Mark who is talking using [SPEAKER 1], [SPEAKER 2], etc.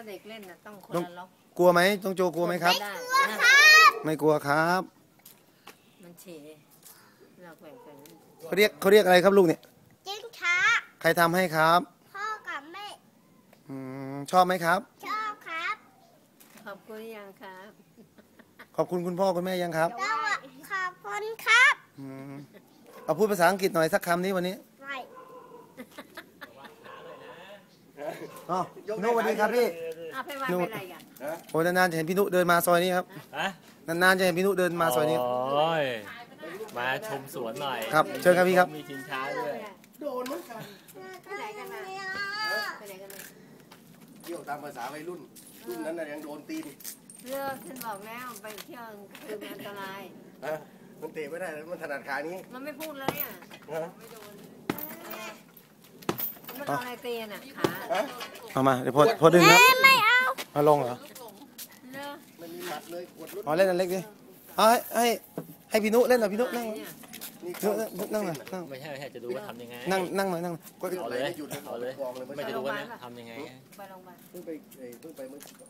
[SPEAKER 1] เด็กเล่นน่ะต้องคนละล็อก
[SPEAKER 2] กลัวไหมต้องโจกลัวไหมครับไม่กลัวครับ
[SPEAKER 1] มันเฉยเราแบ่งกัน
[SPEAKER 2] เขาเรียกอะไรครับลูกเนี่ย
[SPEAKER 3] จิ้งช้า
[SPEAKER 2] ใครทำให้ครับ
[SPEAKER 3] พ่อกับแม่
[SPEAKER 2] ชอบไหมครับ
[SPEAKER 3] ชอบครับ
[SPEAKER 1] ขอบคุณยังครับ
[SPEAKER 2] ขอบคุณคุณพ่อคุณแม่ยังครับ
[SPEAKER 3] ขอบคุณครับ
[SPEAKER 2] เอาพูดภาษาอังกฤษหน่อยสักคำนี้วันนี้
[SPEAKER 3] ไม่
[SPEAKER 2] อ๋อนุสวัสดีครับพี่
[SPEAKER 1] เอาไปวางไปไหนกัน
[SPEAKER 2] โอ้นานๆจะเห็นพี่นุเดินมาซอยนี้ครับนานๆจะเห็นพี่นุเดินมาซอยนี้
[SPEAKER 4] โอ้ยมาชมสวนหน่อย
[SPEAKER 2] ครับเชิญครับพี่ครับ
[SPEAKER 4] มีชิงช้าด้วย
[SPEAKER 2] โดนเหมือนกัน
[SPEAKER 1] ไปไหนกันนะไปไหนกันนะ
[SPEAKER 2] เที่ยวตามภาษาวัยรุ่นนั้นน่ะยังโดนตีน
[SPEAKER 1] เลือกฉันบอกแล้วไปเที่ยวคือมันอันตราย
[SPEAKER 2] มันเตะไม่ได้มันถนัดขานี้
[SPEAKER 1] มันไม่พูดเลยอ่ะไม่โดนมันเอาอะไรตีน่ะขา
[SPEAKER 2] เอามาเดี๋ยวพอดึงครับ
[SPEAKER 3] ไม่เอา
[SPEAKER 2] มาลงเหรอ
[SPEAKER 1] ไม่มีหมัดเลย
[SPEAKER 2] อ๋อเล่นอันเล็กดิให้พี่นุเล่นหน่อยพี่นุนั่งนั่งหน่อยนั่ง
[SPEAKER 4] ไม่ใช่จะดูว่าทำยังไง
[SPEAKER 2] นั่งหน่อยนั่ง
[SPEAKER 4] เอาเลยไม่จะดูว่าทำยังไง
[SPEAKER 1] ไปโรงพยาบาลเพิ่งไปเมื่อ